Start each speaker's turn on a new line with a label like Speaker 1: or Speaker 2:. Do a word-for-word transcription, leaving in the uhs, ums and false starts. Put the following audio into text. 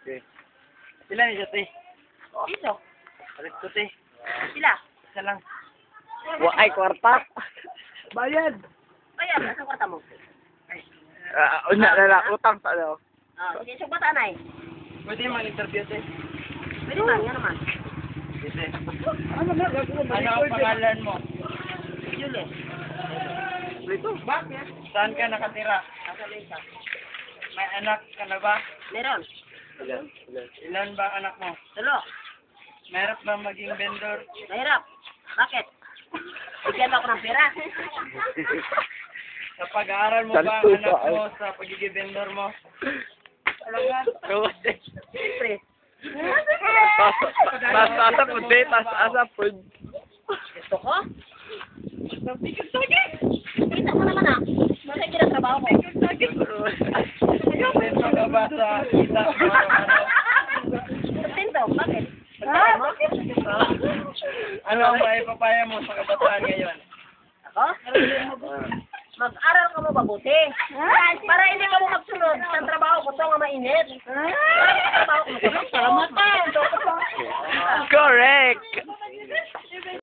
Speaker 1: Okay. Sila ni Jati.
Speaker 2: Dito.
Speaker 1: Alis ko, te.
Speaker 2: Sila.
Speaker 1: Isa lang.
Speaker 3: Wa ay kwarta.
Speaker 1: Bayad!
Speaker 2: Ayan, nasa kwarta mo.
Speaker 3: Ah, una na lang utang sa ano.
Speaker 2: Ah, sige, so bata na eh.
Speaker 1: Pwede mag-interview, te.
Speaker 2: Pwede man, yan naman.
Speaker 1: Te.
Speaker 3: Ano na gagawin
Speaker 1: Ano ang pangalan mo?
Speaker 2: Julie.
Speaker 3: Dito.
Speaker 2: Bakit?
Speaker 1: Saan ka nakatira?
Speaker 2: Nasa Lisa.
Speaker 1: May anak ka na ba?
Speaker 2: Meron.
Speaker 3: Ilan? Ilan?
Speaker 1: Ilan ba anak mo?
Speaker 2: Tulo.
Speaker 1: Mahirap ba maging vendor?
Speaker 2: Mahirap. Bakit? Bigyan mo ako ng pera.
Speaker 1: Sa pag-aaral mo ba ang
Speaker 3: Santo
Speaker 1: anak
Speaker 3: ka,
Speaker 1: mo sa pagiging vendor mo? Talaga?
Speaker 2: Siyempre.
Speaker 3: Tas asa pud be, tas asa pud.
Speaker 2: Gusto ko? Kita mo naman ah. Bakit kinatrabaho ko?
Speaker 1: Kontento ka ba sa kita mo araw-araw?
Speaker 2: Kontento. Bakit? Pagkain mo?
Speaker 1: Ano ang maipapaya mo sa kabataan ngayon?
Speaker 2: Ako? Mag-aral ka mo mabuti. Para hindi ka mo magsunod sa trabaho ko ito nga mainit. Para